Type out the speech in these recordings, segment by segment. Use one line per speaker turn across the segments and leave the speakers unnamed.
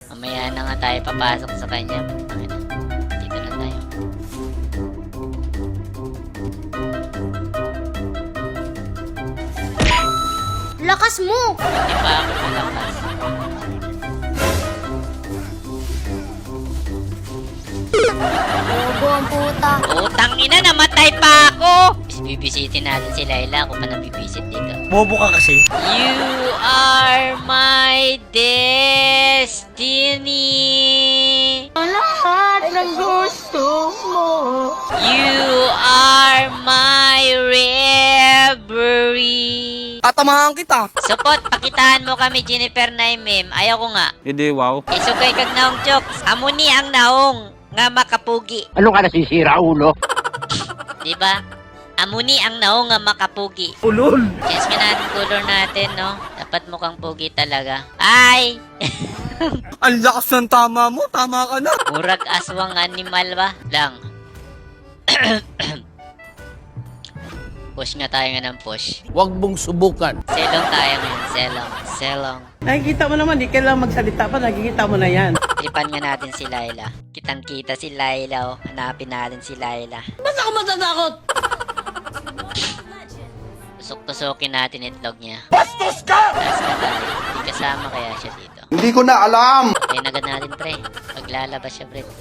Mamaya na nga tayo papasok sa kanya. Putangina. Dito na tayo.
Lakas mo!
Hindi pa ako malakas.
Bobo ang puta.
Utang ina, namatay pa ako! Bibisitin natin si Layla kung pa nabibisit dito.
Bobo ka kasi.
You are my destiny.
Lahat ng gusto mo.
You are my reverie.
Tatamahan kita.
Support, pakitaan mo kami, Jennifer Naimim. Ayaw ko nga.
Hindi, wow.
Isugay kag naong jokes. Amuni ang naong nga makapugi.
Ano ka nasisira, ulo?
Diba? Amuni ang naong nga makapugi.
Ulol.
Change nga natin color natin, no? Dapat mukhang pugi talaga. Ay!
Ang lakas ng tama mo. Tama ka na.
Murag aswang animal ba? Lang. Push nga tayo nga ng push.
Huwag mong subukan.
Selong tayo ngayon. Selong. Selong.
Nakikita mo naman, di kailangan magsalita pa, nakikita mo na yan.
Tripan nga natin si Layla. Kitang-kita si Layla, oh. Hanapin natin si Layla.
Ba't ako matatakot?
Tusok-tusokin natin itlog niya. Bastos ka! Taas na tayo. Hindi kasama kaya siya dito.
Hindi ko na alam.
Kaya agad natin, pre. Paglalabas siya, pre.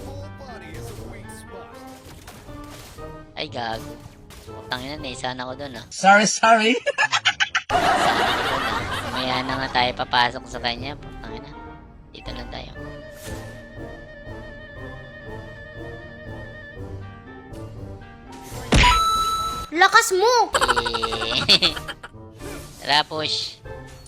Ay, gago. Tangina, naisahan ako dun, ah.
Sorry.
Naisahan ako dun, ah. Mamaya na nga tayo papasok sa kanya. Tangina. Dito lang tayo.
Lakas mo!
Eh. Tara, push.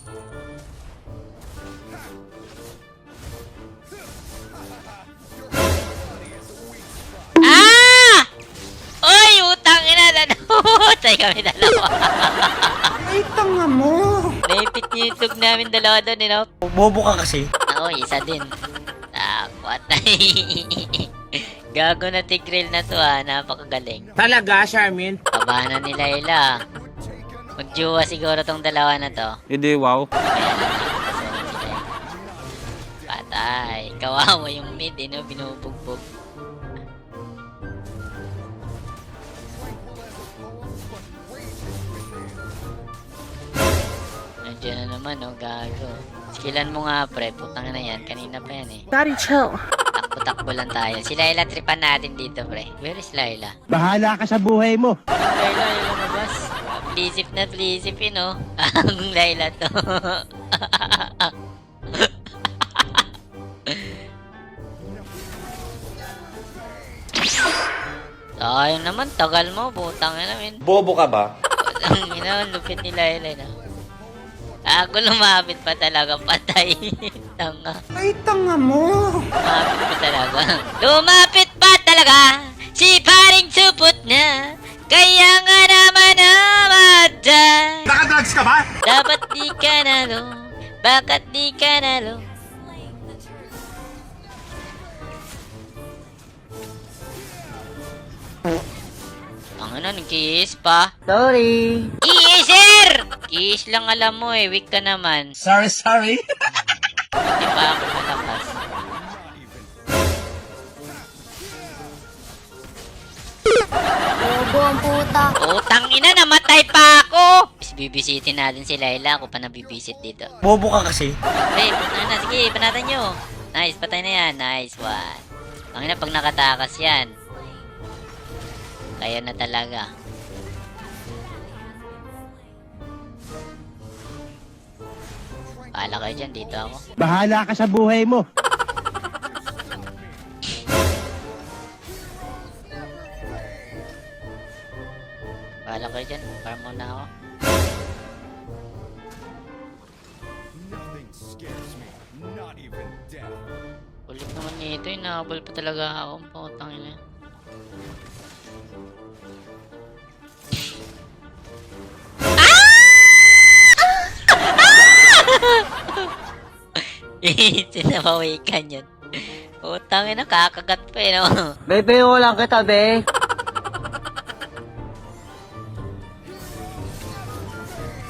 Ah! Oy, utang ina na. Tay kami dalawa.
Ay, tanga mo!
Naipit niyo yung tug namin dalawa doon, you know?
Bobo ka kasi.
Ako, isa din. Takwat. Gago na tigril na to, ha. Napakagaling.
Talaga, Charmin?
Kabahan na ni Layla. Magjuwa siguro tong dalawa na to.
Hindi, wow.
Ayan na. Kasama si Layla. Patay. Kawawa yung mid, eh, no? Binubugbog. Nandiyan na naman, no? Gago. Skillan mo nga, pre. Putang na yan. Kanina pa yan, eh.
Daddy, chill.
Takbo-takbo lang tayo. Si Layla, tripan natin dito, pre. Where is Layla?
Bahala ka sa buhay mo.
Layla, yung lumabas. Plisip na plisip, yun, no? Ang Layla to. Sayang naman, tagal mo. Butang na namin.
Bobo ka ba?
Ang ina, lupit ni Layla, no? Ako lumapit pa talaga, patay. Tanga.
Ay, tanga mo!
Lumapit pa talaga. Lumapit pa talaga. Si paring supot na. Kaya nga naman namatay.
Nakadrugs ka ba?
Dapat di ka nalo. Bakit di ka nalo? Ang ano, nag-kiss pa?
Sorry!
Kisser! Kiss lang alam mo eh, weak ka naman.
Sorry.
Hindi pa ako malakas.
Bobo ang puta.
Utang ina, namatay pa ako! Bibisitin natin si Layla kung pa nabibisit dito.
Bobo ka kasi.
Pre, punta na. Sige, panatan nyo. Nice, patay na yan. Nice one. Ang ina, pag nakatakas yan. Kaya na talaga. Paala kayo dyan, dito ako.
Bahala ka sa buhay mo.
Paala kayo dyan, farm muna ako. Ulit naman nito, inahabol pa talaga ako. Putang ina. Sinabawikan yun. Utang ina, kakagat pa eh, no?
Bebe, lang kita, be.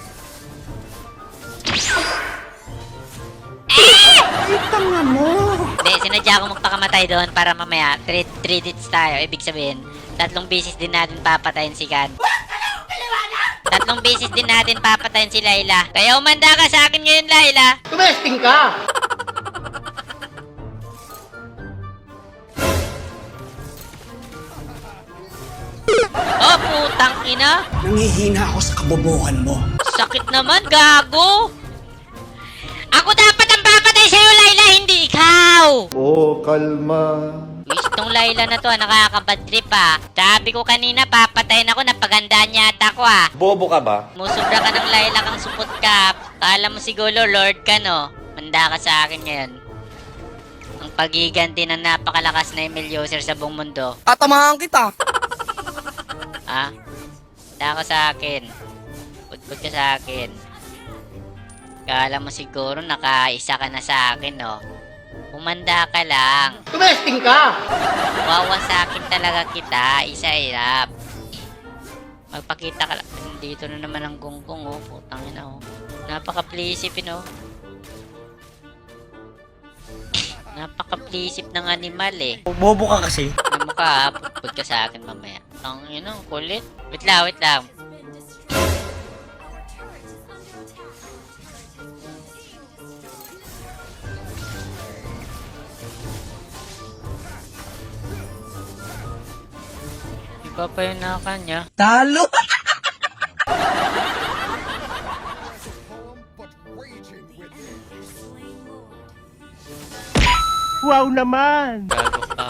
Ay, tanga mo!
Hindi, sinadya ko magpakamatay doon para mamaya 3 hits tayo. Ibig sabihin, 3 beses din natin papatayin si Kan. 3 beses din natin papatayin si Layla. Kaya umanda ka sa akin ngayon, Layla.
Tumesting ka!
Oh, putang ina.
Nangihina ako sa kabobohan mo.
Sakit naman, gago. Ako dapat ang papatay sa'yo, Layla, hindi ikaw.
Oh, kalma.
Wish tong Layla na to, nakakabad trip ah. Sabi ko kanina, papatayin ako, napagandaan yata ako ah.
Bobo ka ba?
Musubra ka ng Layla kang supot ka. Kala mo siguro, Lord ka no. Manda ka sa akin ngayon. Ang pagiganti ng napakalakas na email user sa buong mundo.
Tatamahan kita.
Ha? Manda ka sa akin. Pudpud ka sa akin. Kala mo siguro nakaisa ka na sa akin no. Umanda ka lang.
Tumesting ka!
Wawa sa akin talaga kita. Isa-irap. Magpakita ka lang. Dito na naman ang gunggong oh. Putang ina oh. Napaka-plisip oh. Napaka-plisip ng animal eh.
Bobo ka kasi.
Ano mo ka, putpud ka sa akin mamaya. Ang ina, kulit. Wait lang, wait lang. Iba pa yun na kanya.
Talo! Wow naman!
Gago ka.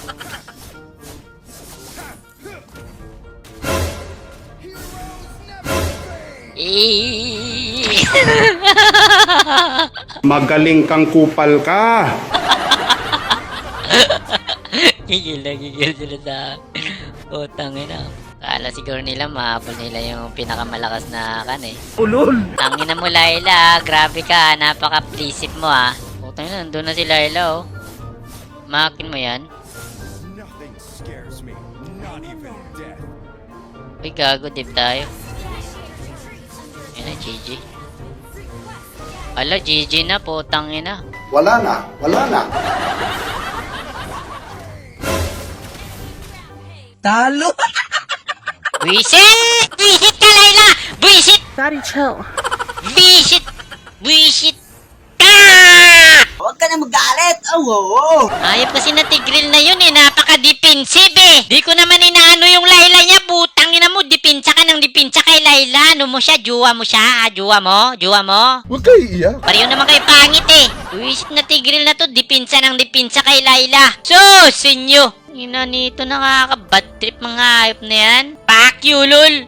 Magaling kang kupal ka.
Gigil sila sa utang ina. Kala siguro nila mahabol nila yung pinakamalakas na kan eh.
Ulol!
Tangina mo Layla, grabe ka, napaka-plisip mo ah. Utang ina, nandun na si Layla oh. Makin mo yan. Uy, gago, dip tayo. Yan na, GG. Ala, GG na, putang ina.
Wala na, wala na.
Talo!
Buisit! Buisit ka, Layla! Buisit!
Daddy, chill.
Buisit! Buisit ka!
Huwag ka na magalit! Oo!
Ayop kasi na tigril na yun eh, napaka-defensive eh. Di ko naman inaano yung Layla niya, putang ina mo, dipinsa ka ng dipinsa kay Layla. Ano mo siya, juwa mo siya, juwa mo, juwa mo.
Huwag kayo iiyak.
Pareho naman kayo pangit eh. Wish na tigril na to, dipinsa ng dipinsa kay Layla. Sus, inyo. Ina nito, nakaka-bad trip mga ayop na yan. Fuck you, lol.